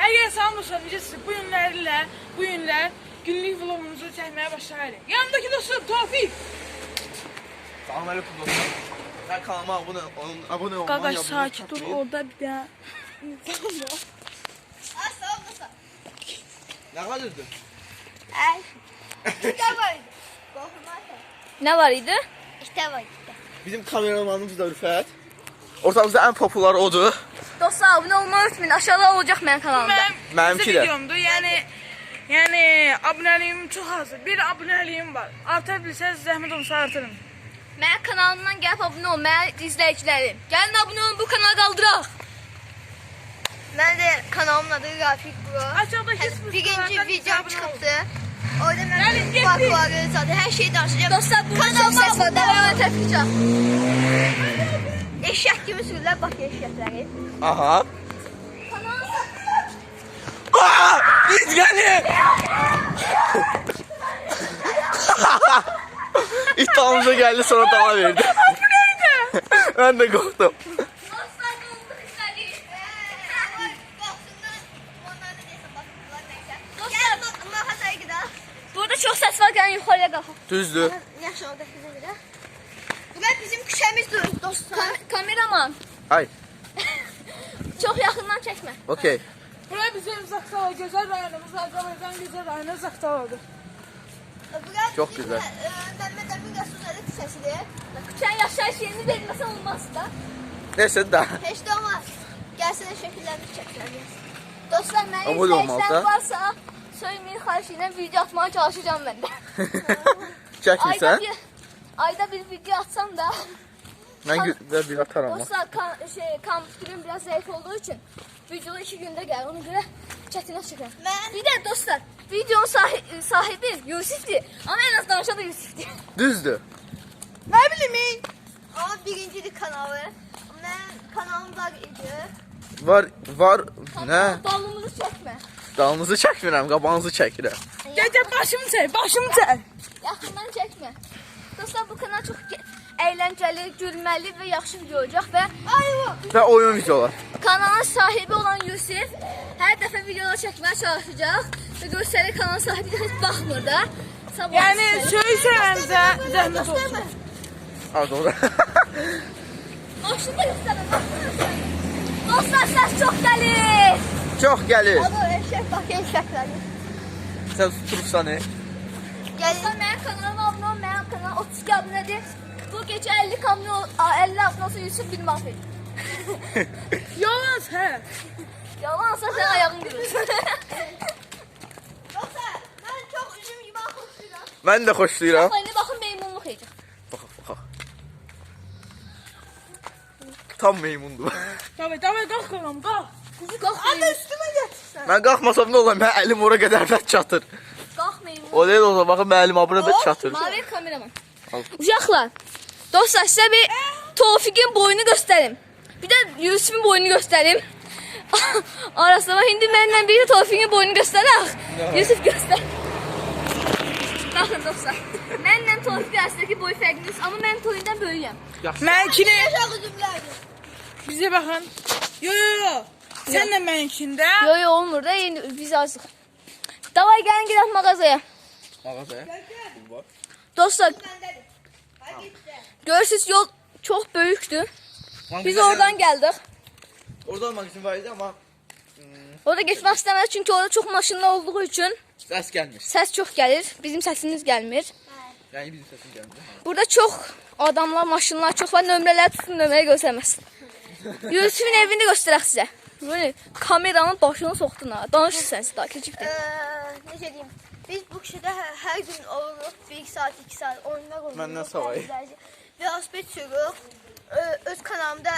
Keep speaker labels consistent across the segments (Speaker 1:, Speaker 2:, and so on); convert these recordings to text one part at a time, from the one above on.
Speaker 1: Əgər sanmırsan, necəsiz bu günlər günlük vlogumuzu çəkməyə başlayırıq. Yanındakı dostum Tofiq.
Speaker 2: Salam aleyküm dostlar. Ben kanalıma abone olmayı
Speaker 1: Qaqaş sakit dur, orada bir daha insan var.
Speaker 3: Sağ ol.
Speaker 2: Ne kadardı?
Speaker 3: Ay. İşte var.
Speaker 4: Ne var idi?
Speaker 3: İşte var.
Speaker 2: Bizim kameramanımız da Rüfət. Ortamızda en popüler odur.
Speaker 4: Dostlar abone olmayı unutmayın. Aşağıda olacak benim kanalımda.
Speaker 2: Mənimki də.
Speaker 1: videomdur. Yəni abunəliyim çox azdır. Bir abunəliyim var. Artar bilsəz zəhmət olsa artırın.
Speaker 4: Benim kanalımdan gelip abone ol. Benim izleyicilerim. Gelin abone olun, bu kanalı kaldıraq.
Speaker 3: Ben de kanalımın adı Rafik Bro.
Speaker 1: Aşağıdaki
Speaker 3: Yani birinci videom çıktı. Orada
Speaker 1: Gelin,
Speaker 3: ben bakları zaten her şeyi danışacağım.
Speaker 4: Dostlar burada çok ses var. Devamlı tepkica.
Speaker 3: Eşek gibi sürüler bak eşekleri.
Speaker 2: Aha. Aaa! Biz gelin! İddiamıza geldi sonra dava verdi. Bu neydi? Ben de korktum.
Speaker 4: Dostlar bulduk seni.
Speaker 3: Gel bak mağazaya gidelim.
Speaker 4: Burada çok ses var. Gelin yukarıya kalkın.
Speaker 2: Düzdür.
Speaker 3: Yaş oradakine gidelim. Bunlar bizim küşemizdir dostlar.
Speaker 4: Kameraman.
Speaker 2: Ay.
Speaker 4: Çok yakından çekme.
Speaker 2: Okey.
Speaker 1: Buraya bizim Zaktala gözəl rayonumuz, Azərbaycan gözəl rayonu Zaktaladır.
Speaker 3: Burası
Speaker 2: Çok
Speaker 3: bizim,
Speaker 2: güzel.
Speaker 3: Mehmet Emin Resul'un küşesidir.
Speaker 4: Sen yaşayış yerini vermesen olmaz da.
Speaker 2: Neyse daha.
Speaker 3: Hiç de olmaz. Gelsene şekillerini çekeceğiz.
Speaker 4: Dostlar benim
Speaker 2: Abone olmalı
Speaker 4: izleyicilerim
Speaker 2: da.
Speaker 4: varsa söylemeyin, karşıyla video atmaya çalışacağım ben de.
Speaker 2: Çəkmirsən?
Speaker 4: Ayda bir video atsam da.
Speaker 2: Mən bir atarım.
Speaker 4: Dostlar kompütürüm biraz zayıf olduğu için video 2 günde gel. Ona göre çetine çıkıyorum.
Speaker 3: Ben-
Speaker 4: Bir de dostlar videonun sahibi Yusuf'ti. Ama en az danışan da Yusuf'ti.
Speaker 2: Düzdür.
Speaker 1: Ne bileyim
Speaker 3: Ama birinciydi kanalı. Ben kanalım var idi.
Speaker 2: Var. Ne?
Speaker 4: Dalımızı çekme.
Speaker 2: Dalınızı çəkmirəm, qabağınızı çəkirəm.
Speaker 1: Gel başımı çək.
Speaker 4: Yakından çekme. Dostlar bu kanal çok eğlenceli, gülmeli ve yaxşı video olacak ve
Speaker 2: Və oyun videolar.
Speaker 4: kanalın sahibi olan Yusuf her defa videolar çekmeye çalışacak ve gösteri kanalın sahibi de hiç bakmır da. Sabah
Speaker 1: Yəni
Speaker 4: göstərir.
Speaker 1: söysənizə zəhmət olsun.
Speaker 2: Ha doğru.
Speaker 4: Maşında göstərin. Dostlar ses çok gelir.
Speaker 2: Çox gəlir.
Speaker 3: Ama eşek bak eşekleri.
Speaker 2: Sən tutursan ne?
Speaker 3: Gelin.
Speaker 4: Dostlar benim kanalıma abone ol, benim kanal 32 abonedir. Bu gece 50 abone olsa Yusuf bir mahvet.
Speaker 1: Yalan hə.
Speaker 4: Yalansa sen ayağın görür.
Speaker 3: Yoksa ben çok üzüm gibi koşuyorum.
Speaker 2: Mən də xoşlayıram.
Speaker 4: Aynı bakın meymunluk yiyecek.
Speaker 2: Bax. Tam meymundur.
Speaker 1: Davay qalx qalam, qalx.
Speaker 4: Kalk
Speaker 1: Hadi
Speaker 4: meymun.
Speaker 1: üstümə gətirsən.
Speaker 2: Mən qalxmasam nə olar? Mən əlim ora qədər də çatır.
Speaker 4: Kalk meymun.
Speaker 2: O deyil olsa baxın mən əlim bura da çatır.
Speaker 4: Mavi kameraman.
Speaker 2: Al.
Speaker 4: Uşaqlar, dostlar size bir Tofik'in boyunu göstereyim. Bir de Yusuf'un boyunu göstereyim. Arasında bak, şimdi benimle bir de Tofik'in boyunu gösterək. Yusuf göster. Bakın dostlar. Benimle Tofik arasındaki boy farkınız ama ben Tofik'den böyüyəm.
Speaker 1: Mənkini
Speaker 3: Eşek üzümlerdi.
Speaker 1: bizə baxın. Yo. Sən də mənkində.
Speaker 4: Yo yo olmur da biz azıq. Davay gelin gidelim mağazaya.
Speaker 2: Mağazaya.
Speaker 4: Dostlar
Speaker 3: Bendedir. Hadi gitti.
Speaker 4: görürsünüz yol çok büyüktü. Biz oradan geldik.
Speaker 2: Orada olmaq üçün var idi amma
Speaker 4: Orada geçmek istemedik çünkü orada çok maşınlar olduğu için
Speaker 2: səs gəlmir.
Speaker 4: ses çok gelir. Bizim sesimiz gelmir.
Speaker 2: Yəni bizim səsim gəlmir.
Speaker 4: Burada çok adamlar, maşınlar çok var. Nömrələr tutun, nömrəyə göstərməsin. Yusuf'un evini göstərək sizə. Böyle kameranın başına soxdun ha. Danışın sen daha keçibdir.
Speaker 3: Ne diyeyim? Biz bu kişide her gün oluruq 1 saat 2 saat oyunlar oluruq.
Speaker 2: Məndən savayı.
Speaker 3: Velosiped sürürük. Öz kanalımda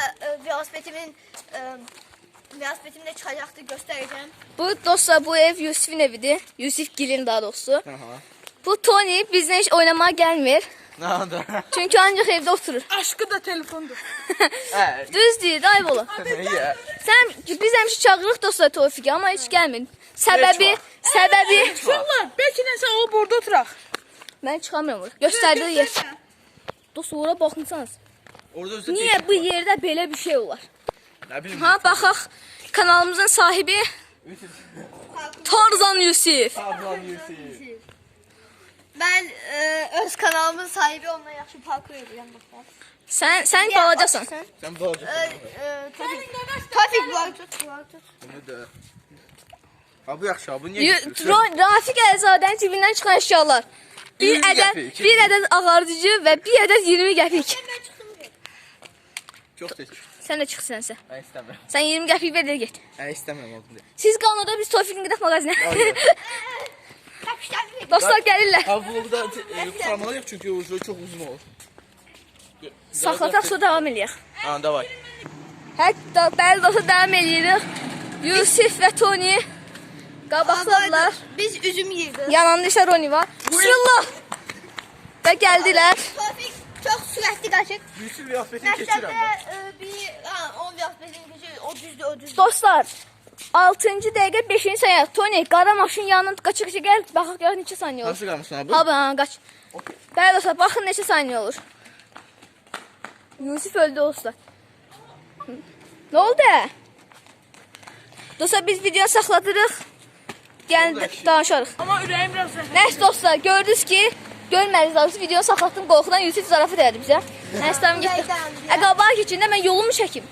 Speaker 3: velosipedim çıxacaqdı göstərəcəm.
Speaker 4: Bu dostlar bu ev Yusuf'un evidir. Yusuf Gil'in daha doğrusu.
Speaker 2: Aha.
Speaker 4: Bu Tony bizden hiç oynamaya gelmir.
Speaker 2: Nə da?
Speaker 4: Çünkü ancak evde oturur.
Speaker 1: Aşkı da telefondur.
Speaker 2: Hə.
Speaker 4: Düz deyir, ayıb olur.
Speaker 2: Yeah.
Speaker 4: Biz həmişə çağırırıq dostlar Tofik'i ama hiç gelmir. Səbəbi
Speaker 1: Uşaqlar, bəlkə nəsə o burada oturaq.
Speaker 4: ben çıxamıyorum oraya. Göstərdiyi yer. Dostlar ora baxınsanız.
Speaker 2: Orada özü
Speaker 4: Niye bu yerde böyle bir şey olar?
Speaker 2: Nə bilim.
Speaker 4: Ha baxaq kanalımızın sahibi Tarzan Yusif.
Speaker 2: Ablan Yusuf.
Speaker 3: Ben öz kanalımın sahibi, onunla yaxşı parkur edirəm baxlar.
Speaker 4: Sen balacasan.
Speaker 2: Sen balacaksın.
Speaker 3: Tofik var tut.
Speaker 2: Bunu da. Ha bu yaxşı, bu niye götürürsün?
Speaker 4: Rafik Əlzadənin cibindən çıxan əşyalar.
Speaker 2: 20 qəpik.
Speaker 4: Bir ədəd ağardıcı və bir ədəd 20 qəpik.
Speaker 2: Çok seç.
Speaker 4: Sən də çıx sənsə.
Speaker 2: Ben istemiyorum.
Speaker 4: Sən 20 qəpik ver də get.
Speaker 2: Ben istemiyorum oğlum diye.
Speaker 4: Siz qalın orada, biz Tofiqin gedək mağazinə.
Speaker 2: Hayır.
Speaker 4: Dostlar gəlirlər.
Speaker 2: Ha bu da kurtarmalıyıq çünkü ucu çok uzun olur.
Speaker 4: Saxlataq, sonra davam eləyək.
Speaker 2: Ha davay.
Speaker 4: Hətta bəli dostlar davam eləyirik. Yusif və Tony qabaqladılar.
Speaker 3: Biz üzüm yiyirdik.
Speaker 4: Yanında isə Roni var. Bismillah. Və gəldilər.
Speaker 3: Tofik çok sürətli qaçır.
Speaker 2: Yusuf kıyafetini geçir ama.
Speaker 3: Məktəbdə bir 10 kıyafetini keçir. O düzdür.
Speaker 4: Dostlar, 6-cı dəqiqə 5-ci saniyə. Tony, qara maşın yanından qaçı-qaçı gəl. Baxaq gör neçə saniyə olur.
Speaker 2: Nasıl kalmışsın abi?
Speaker 4: Ha, qaç. Bəli dostlar, baxın neçə saniyə olur. Yusif öldü dostlar. Nə oldu? Dostlar, biz videonu saxladırıq. Gəlin, danışarıq.
Speaker 1: Ama ürəyim biraz zəfər.
Speaker 4: Nəysə dostlar, gördünüz ki, görmədiniz daha videonu saxlatdım, qorxudan Yusif zarafat elədi bizə. Nəysə tamam getdi. Qabağa keçində mən yolumu çəkim.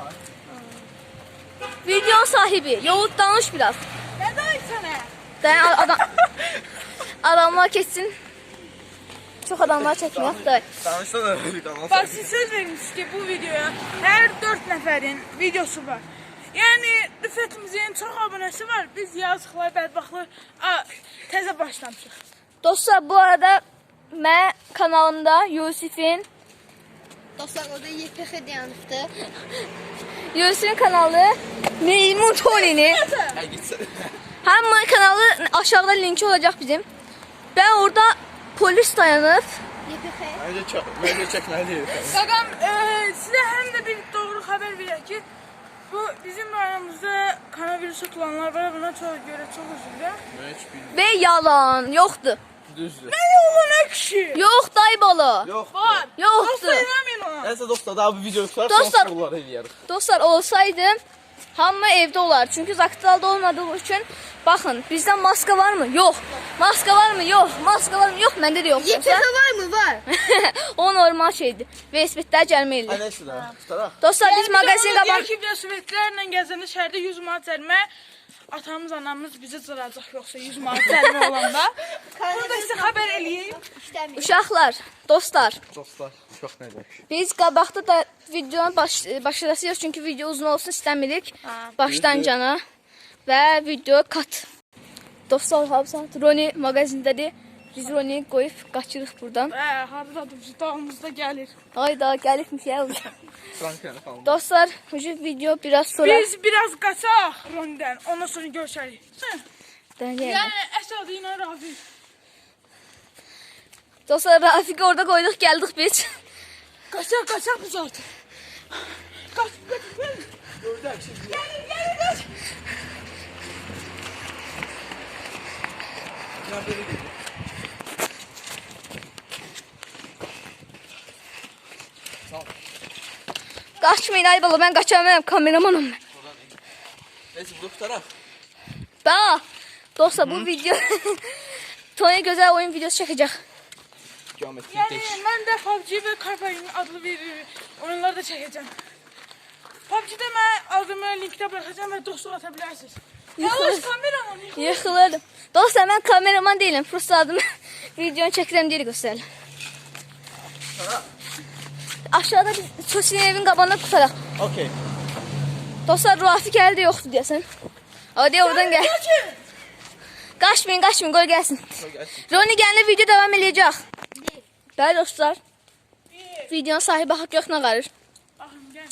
Speaker 4: Videonun sahibi, yolu danış biraz.
Speaker 1: Nə demək sənə?
Speaker 4: Dayan, adamlar keçsin. Çox adamlar çəkməyək da.
Speaker 2: Tanışsana bir kanal.
Speaker 1: Bak siz söz vermişsiniz ki bu videoya her 4 nəfərin videosu var. Yəni Rüfətimizin çox abunəsi var. Biz yazıqlar, bədbaxtlar təzə başlamışıq.
Speaker 4: Dostlar, bu arada mən kanalımda Yusifin
Speaker 3: Dostlar orada YPX dayanıbdı.
Speaker 4: Yusifin kanalı Meymun Tony'ni.
Speaker 2: Ha gitsin.
Speaker 4: Həmin kanalı aşağıda linki olacaq bizim. Ben orada polis dayanıb.
Speaker 3: YPX.
Speaker 2: Bence çekmeliyiz.
Speaker 1: Qaqam, sizə həm də bir doğru xəbər verək ki, bu bizim rayonumuzda koronavirus tutulanlar var. Buna görə çox üzr diləyirəm.
Speaker 2: Ben hiç bilmiyorum.
Speaker 4: Ve yalan, yoktu.
Speaker 2: Düzdür.
Speaker 1: Nə oğlum nə kişi?
Speaker 4: Yok dayıbalı.
Speaker 2: Yok.
Speaker 1: Var.
Speaker 4: Yoktu.
Speaker 1: Dostlar inanmayın ona.
Speaker 2: Neyse dostlar daha bu videoyu tutar
Speaker 4: Dostlar-
Speaker 2: sonra sorular eləyərik.
Speaker 4: Dostlar, olsaydı hamı evde olar. Çünkü zaktalda olmadığı için bakın bizden maska var mı? Yok. Maska var mı? Yok. Maska var mı? Yok. Bende de yok.
Speaker 3: YPX var mı? Var.
Speaker 4: O normal şeydi. Ve isbitler
Speaker 2: Ha
Speaker 4: gelmeydi.
Speaker 2: neyse daha tutar.
Speaker 4: Dostlar biz magazin
Speaker 1: qaban.
Speaker 4: qaban...
Speaker 1: Deyək ki, velosipedlərlə gəzəndə şəhərdə 100 manat cərimə atamız, anamız bizi cıracaq yoxsa 100 manat cərimə olanda. Burada sizə xəbər eləyeyim.
Speaker 3: İstemiyorum.
Speaker 4: Uşaqlar, dostlar.
Speaker 2: Dostlar çok ne demek.
Speaker 4: Biz qabaqda da videonun başlayacağıq çünkü video uzun olsun istəmirik. Başdan cana və video kat. Dostlar, hamısan Roni magazindədir. Biz Roni qoyub qaçırıq buradan.
Speaker 1: Haradadır, dağımızda gəlir.
Speaker 4: Hayda, gəlibmiş ya.
Speaker 2: Frankeni falan.
Speaker 4: Dostlar, bu video biraz sonra...
Speaker 1: Biz biraz qaçaq Ronidən, ondan sonra görüşərik.
Speaker 4: Dənəyəm.
Speaker 1: Yəni, əsas ilə Rafi.
Speaker 4: Dostlar, Rafiq'i orada qoyduq, gəldik biz.
Speaker 1: Qaçaq biz artıq. Qaç.
Speaker 2: Gördük şimdi.
Speaker 1: Gəlir.
Speaker 2: Ya böyle gidiyor.
Speaker 4: Qaçmayın ay bala, mən qaçamam, kameramanım mən.
Speaker 2: Neyse bunu tutar.
Speaker 4: Bax, dostlar bu video Tony gözəl oyun videosu çəkəcək.
Speaker 2: Geometri
Speaker 1: Yəni,
Speaker 2: değiş.
Speaker 1: mən də PUBG və Carpain adlı bir oyunları da çəkəcəm. PUBG-də mən adımı linkdə bıraxacağım və dostluq ata bilərsiniz. Yalnız kameramı
Speaker 4: Yıxılırdım. Dostlar, mən kameraman deyiləm, prosta adımı videonu çəkirəm deyə göstərirəm. Aşağıda biz Sosial evin qabağına tutaraq.
Speaker 2: Okey.
Speaker 4: Dostlar, Rafiq əldə yoxdur deyəsən. Hadi oradan gəl. Qaçmayın, qoy gəlsin. Roni gəlində video davam eləyəcək. Bəli dostlar. Videonun sahibi haqq yoxuna qarır.
Speaker 1: Baxın, gəl.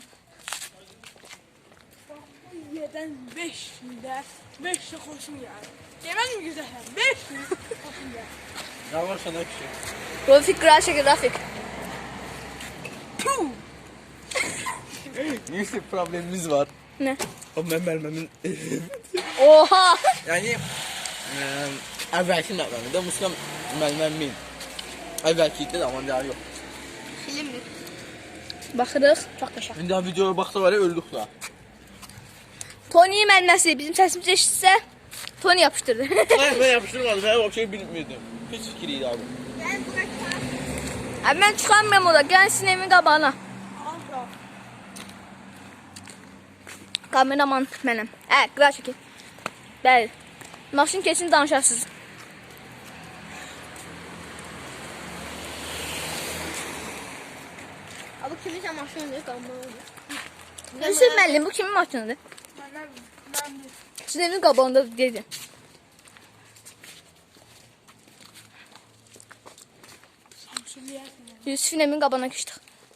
Speaker 1: Bax, bu yerdən 500-də 500 xoşum gəlir. Demədim güzələm, 500 xoşum gəlir.
Speaker 2: Ne var sana bir şey?
Speaker 4: Rafiq qırar çəkir, Rafiq.
Speaker 1: Puh!
Speaker 2: Neyse problemimiz var.
Speaker 4: Nə?
Speaker 2: O məməlməmin
Speaker 4: Oha!
Speaker 2: yani əvvəlki məməlməmdə Muskam məlməmin. Əvvəlki idi amma daha yox.
Speaker 3: Filmdir.
Speaker 4: Baxırıq. Çox qəşəng.
Speaker 2: İndi daha videoya baxsa var ya öldük da.
Speaker 4: Tony'nin mənməsi bizim səsimiz eşitsə Tony yapışdırdı.
Speaker 2: Ben yapıştırmadım. Ben o şeyi bilmiyordum. Hiç fikriydi abi.
Speaker 3: Gel Burak.
Speaker 4: Abi mən çıxamıram orada. Gəlin sizin evin qabağına. Kameraman mənəm. Qıra çəkin. Bəli. Maşın keçin danışarsınız.
Speaker 3: Abi kiminsə maşınıdır, qalmalıdır.
Speaker 4: Yusuf müəllim, bu kimin maşınıdır? Sizin evin qabağında dedi. Yusuf'un evin qabağına keçdik.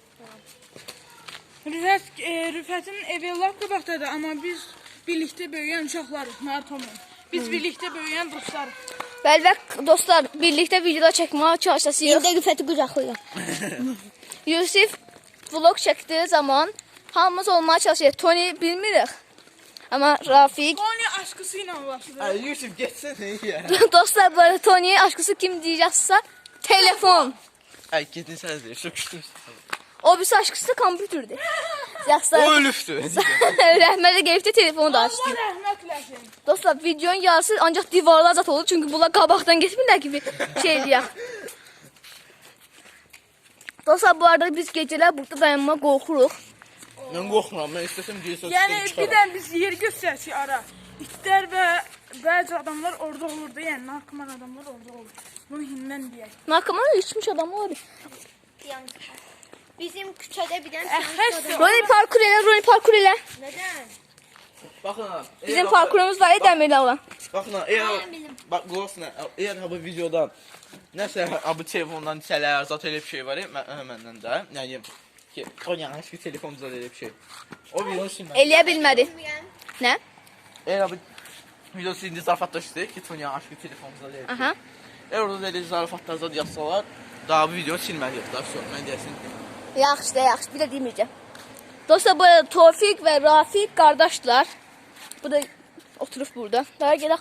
Speaker 1: Rüfətin evi lap qabaqdadır, amma biz birlikdə böyüyən uşaqlarıq, Nartomla. Biz birlikdə böyüyən dostlarıq.
Speaker 4: Bəli və dostlar, birlikdə videoda çəkməyə çalışacağıq.
Speaker 3: İndi Rüfəti qucaqlayaq.
Speaker 4: Yusuf vlog çəkdiyi zaman hamımız olmaya çalışırıq. Tony bilmirik. Amma Rafiq...
Speaker 1: Tony aşkısı ilə ulaşır.
Speaker 2: Ay Yusuf geçsene ya.
Speaker 4: Dostlar, bu arada Tony'ye aşkısı kim diyəcəksə, telefon.
Speaker 2: Ay gidin sen de çok küstüm.
Speaker 4: O birisi aşkısı kompütürdür. Yaxşı.
Speaker 2: O ölüftü.
Speaker 4: Rəhmətə gəlib də telefonu da açdı.
Speaker 1: Allah rəhmət eləsin.
Speaker 4: Dostlar, videonun yarısı ancaq divarlar zat olur. Çünki bunlar qabaqdan getmirlər ki bir şey deyək. Dostlar, bu arada biz gecələr burada dayanma qorxuruq.
Speaker 2: Ben korkmuram. Ben istesem diye
Speaker 1: Yəni birdən biz yer göstərsək ara. İtlər və bəzi adamlar orada olurdu. Yəni narkoman adamlar orada olur. Bunu hindən deyək.
Speaker 4: Narkoman içmiş adam var.
Speaker 3: Bizim küçədə bir dənə
Speaker 1: Əhəs.
Speaker 4: Roni parkur elə, Roni parkur elə.
Speaker 3: Nədən?
Speaker 2: Bakın ha.
Speaker 4: Bizim parkurumuz var ya, dəmirlə olan.
Speaker 2: Bakın ha. Eğer bak Glosna eğer ha bu videodan nəsə ha bu telefondan hissələr zat elə bir şey var ya məndən də. Yəni ki o yanlış bir telefonda elə bir şey. O video şimdi.
Speaker 4: Eləyə bilmədi. Nə?
Speaker 2: Eğer bu video şimdi zarafatlaştı ki Tonya aşkı telefonda elə.
Speaker 4: Aha.
Speaker 2: Eğer orada elə zarafatlar zat yazsalar daha bu video silməliyik daha sonra mən deyəsin.
Speaker 4: Yaxşı da yaxşı, bir də deməyəcəm. Dostlar, bu arada Tofiq və Rafiq qardaşlar. Bu da oturub burada. Daha gedək.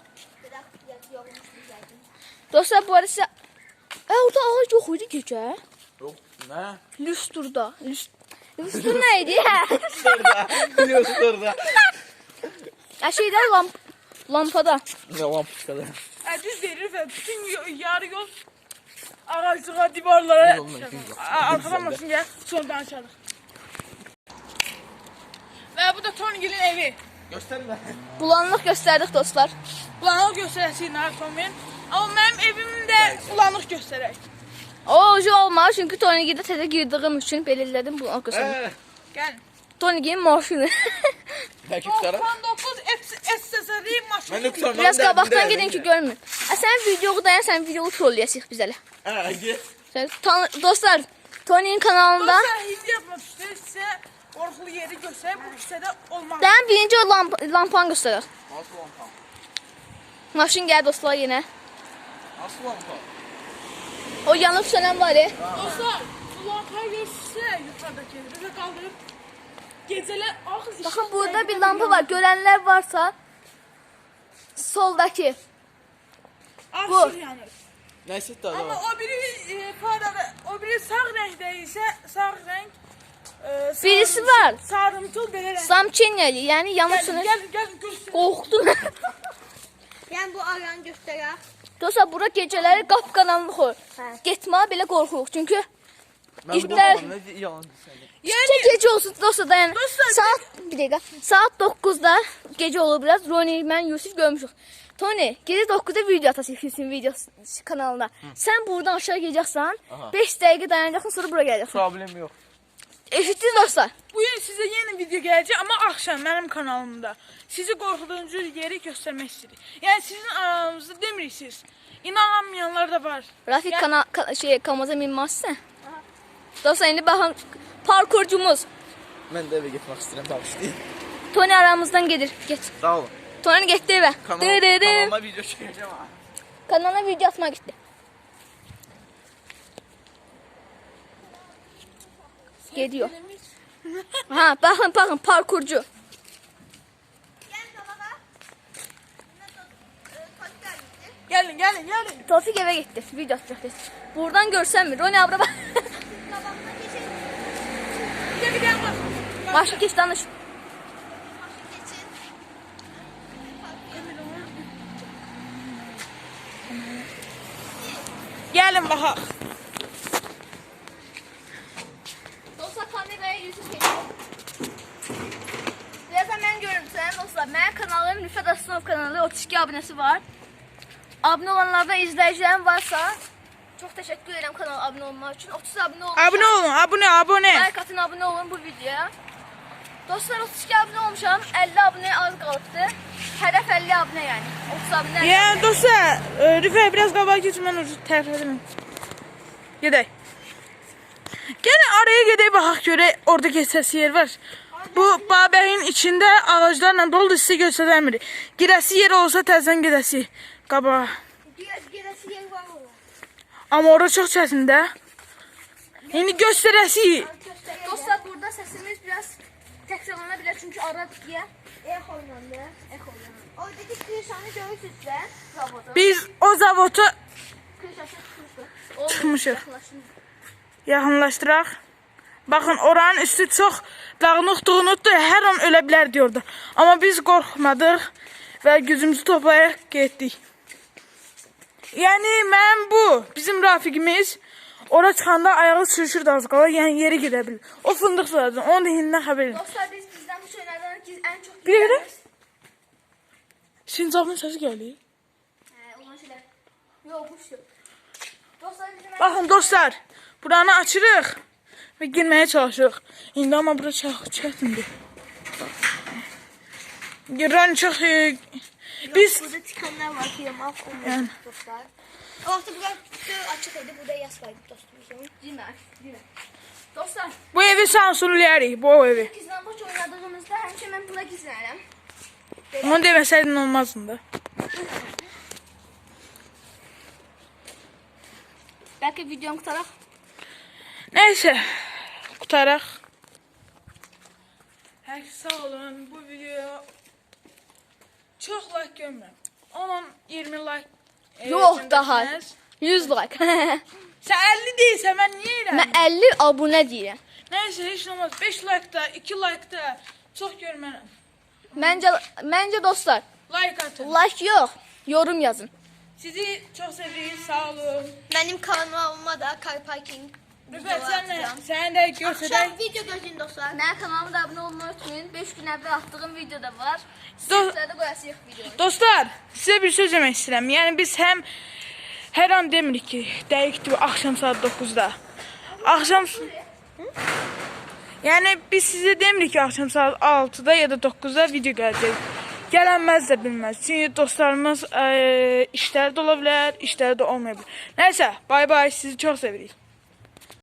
Speaker 4: Dostlar, bu arada sizə... orada ağac yox idi gecə.
Speaker 2: Yok nə?
Speaker 4: Lüsturda. Lüstur nə idi?
Speaker 2: Biliyorsun orada.
Speaker 4: Şeydə lampada.
Speaker 2: Ne lampuçkada.
Speaker 1: Düz verir və bütün yarı yol ağaclığa, divarlara arxadan maşın gəlir, sonra danışarıq. Və bu da Tony'nin evi.
Speaker 2: Gösterme.
Speaker 4: Bulanlıq göstərdik dostlar.
Speaker 1: Bulanıq göstərəsik narkomen. Amma mənim evimdə bulanıq göstərək.
Speaker 4: O ucu olmaz çünki Tony'də təzə girdiyim üçün belə elədim bulanıq göstərdim.
Speaker 1: Gəlin.
Speaker 4: Tony'nin maşını.
Speaker 2: Belki tutarım.
Speaker 1: 99 SSR maşını.
Speaker 2: Ben de tutarım.
Speaker 4: Biraz qabaqdan gedin ki görmün. Sən videoyu dayan, sən videoyu trolləyəsik biz elə.
Speaker 2: Ha git.
Speaker 4: Dostlar, Tony'nin kanalında
Speaker 1: Dostlar, hindi yapmaq istəyir, sizə qorxulu yeri göstərək, bu kisədə olmaz.
Speaker 4: dən birinci o lampanı göstərir.
Speaker 2: Nasıl lampa?
Speaker 4: Maşın gəlir dostlar yenə.
Speaker 2: Nasıl lampa?
Speaker 4: O yanıb sönən var ya.
Speaker 1: Dostlar, bu lampayı göstərsə, yuxarıdakı bizə qaldırıb gecələr ağız işıq.
Speaker 4: Baxın, burada bir lampa var. Görənlər varsa soldakı.
Speaker 1: Ağ
Speaker 4: bu.
Speaker 1: işıq yanır.
Speaker 2: Neyse daha
Speaker 1: Amma
Speaker 2: da.
Speaker 1: o biri parada, o biri sağ rəngdə isə sağ rəng
Speaker 4: Birisi var.
Speaker 1: sarımtıl belə rəng.
Speaker 4: Samçenyəli, yəni yanıb sönür.
Speaker 1: Gəl göstər.
Speaker 4: Qorxdum.
Speaker 3: Yəni bu aranı göstərək.
Speaker 4: Dostlar, bura gecələri qapqaranlıq olur. Getməyə belə qorxuruq. Çünki
Speaker 2: Ben bir
Speaker 4: İtler-
Speaker 2: de ne yalan söyledi.
Speaker 4: İşte gece olsun dostlar dayan.
Speaker 1: Dostlar,
Speaker 4: Saat bir dakika. Saat 9'da gece olur biraz. Roni, ben Yusuf görmüşük. Tony, gece 9'da video atacak Yusuf'un video kanalına. Sen buradan aşağı geleceksen
Speaker 2: Aha.
Speaker 4: 5 dakika dayanacaksın, sonra buraya geleceksin.
Speaker 2: Problem yok.
Speaker 4: Eşitdiniz dostlar.
Speaker 1: Bu gün sizə yeni video gələcək, amma axşam mənim kanalımda. Sizi qorxuducu yeri göstərmək istəyirik. Yəni sizin aranızda demirsiniz. İnanmayanlar da var.
Speaker 4: Rafik
Speaker 1: Yəni-
Speaker 4: kamaza minmezse. Dostlar, şimdi bakın parkurcumuz.
Speaker 2: Ben de eve gitmek istedim. Bağışlayayım.
Speaker 4: Tony aramızdan gelir. Geç.
Speaker 2: Sağ olun.
Speaker 4: Tony gitti eve.
Speaker 2: Kanalıma video çekeceğim ha.
Speaker 4: Kanala video atma gitti. Geliyor. Ha, bakın parkurcu.
Speaker 3: Yəni qabağa.
Speaker 1: Gəlin, gəlin, gəlin.
Speaker 4: Tofik eve gitti. Video atacak dedi. Buradan görsen mi? Roni abla bak.
Speaker 3: Qabağına keçin.
Speaker 1: Bir də bak.
Speaker 4: Başka geç danış.
Speaker 3: Keçin.
Speaker 1: Gəlin baxaq.
Speaker 4: Dostlar kameraya yüzü çekin. Birazdan mən görüntüsünəm dostlar. Mənim kanalım Rüfət Aslanov kanalı 32 abunəsi var. Abunə olanlardan izləyicilərim varsa çox təşəkkür edirəm kanala abunə olmaq üçün. 30 abunə olmuşam.
Speaker 1: Abunə olun, abunə.
Speaker 4: Like atın, abunə olun bu videoya. Dostlar 32 abunə olmuşam. 50 abunəyə az qalıbdı. Hədəf 50 abunə yəni. 30 abunə.
Speaker 1: Yəni dostlar, Rüfət biraz qabağa keçin, mən tərif edirəm. Gedək. Gəlin araya gedək baxaq görək, orada keçəsi yer var. Bu babəyin içində ağaclarla doludur, sizə göstərəmirik. Girəsi yer olsa təzən gedəsi qabağa.
Speaker 3: Gerisi yer var mı?
Speaker 1: Amma orada çox çətindir. İndi göstərəsi.
Speaker 4: Dostlar burada səsimiz biraz təkrarlana bilər çünki ara diye.
Speaker 3: Ex oynandı. Oradaki kırşanı görürsünüz de. Zavodu.
Speaker 1: Biz o zavodu
Speaker 4: Kırşaşı tutmuşdu.
Speaker 1: tutmuşuq. Yaxınlaşdıraq. Baxın, oranın üstü çox dağınıq-dağınıqdır, hər an ölə bilər diyordu. Amma biz qorxmadıq və gücümüzü toplayaq getdik. Yəni, mən bu, bizim Rafiqimiz ora çıxanda ayağı sürüşürdü az qala, yəni yeri gedə bilir. O fındıq sıracaq, onu da hindindən xəbər edin.
Speaker 4: Dostlar biz bizdən bu şeylərdən ən çox
Speaker 1: Bir də Sincabın səsi gəlir.
Speaker 4: olan şeylər. Yox, bu şey. Dostlar bizim
Speaker 1: Baxın dostlar, buranı açırıq və girməyə çalışırıq. İndi amma bura çətindir. Giran çox... Biz...
Speaker 3: Burada tikanlar var ki yamal
Speaker 1: Yəni.
Speaker 3: olmuyor dostlar. O vaxtı burada açıq idi. Burada yas var dostumuzun.
Speaker 4: Demək. Dostlar,
Speaker 1: Bu evi sansürləyərik, bu evi.
Speaker 4: gizlənbaç oynadığımızda həmişə mən bura gizlənirəm.
Speaker 1: Onu deməsəydin olmazdı.
Speaker 4: Bəlkə videonu qutaraq.
Speaker 1: Nəysə, qutaraq. Hər sağ olun, bu videoya çox like görmürəm. 10-20 like.
Speaker 4: Yox, daha. 100 like.
Speaker 1: Sən 50 deyilsə, mən niyə elə?
Speaker 4: Mən 50 abunə deyirəm.
Speaker 1: Nəysə, heç nə olmaz. 5 like da, 2 like da çox görmərəm.
Speaker 4: Məncə dostlar,
Speaker 1: Like atın.
Speaker 4: like yox, yorum yazın.
Speaker 1: Sizi çox sevirik, sağ olun.
Speaker 3: Benim kanalıma da car parking.
Speaker 1: Rüfət, sən də göstərək.
Speaker 3: Akşam video gözün dostlar.
Speaker 4: Mənim kanalıma da abunə olmayı unutmayın. 5 gün əvvəl atdığım videoda var.
Speaker 1: Do-
Speaker 4: Sizlərdə qoyasıyıq videonu.
Speaker 1: Dostlar, sizə bir söz demək istəyirəm. Yəni biz həm hər an demirik ki, dəqiqdir axşam saat 9-da. Axşam Yəni biz sizə demirik ki, axşam saat 6-da ya da 9-da video gələcək. Gələnməz də bilməz. Çünki dostlarımız işləri də ola bilər, işləri də olmaya bilər. Nəysə, bay bay, sizi çox sevirik.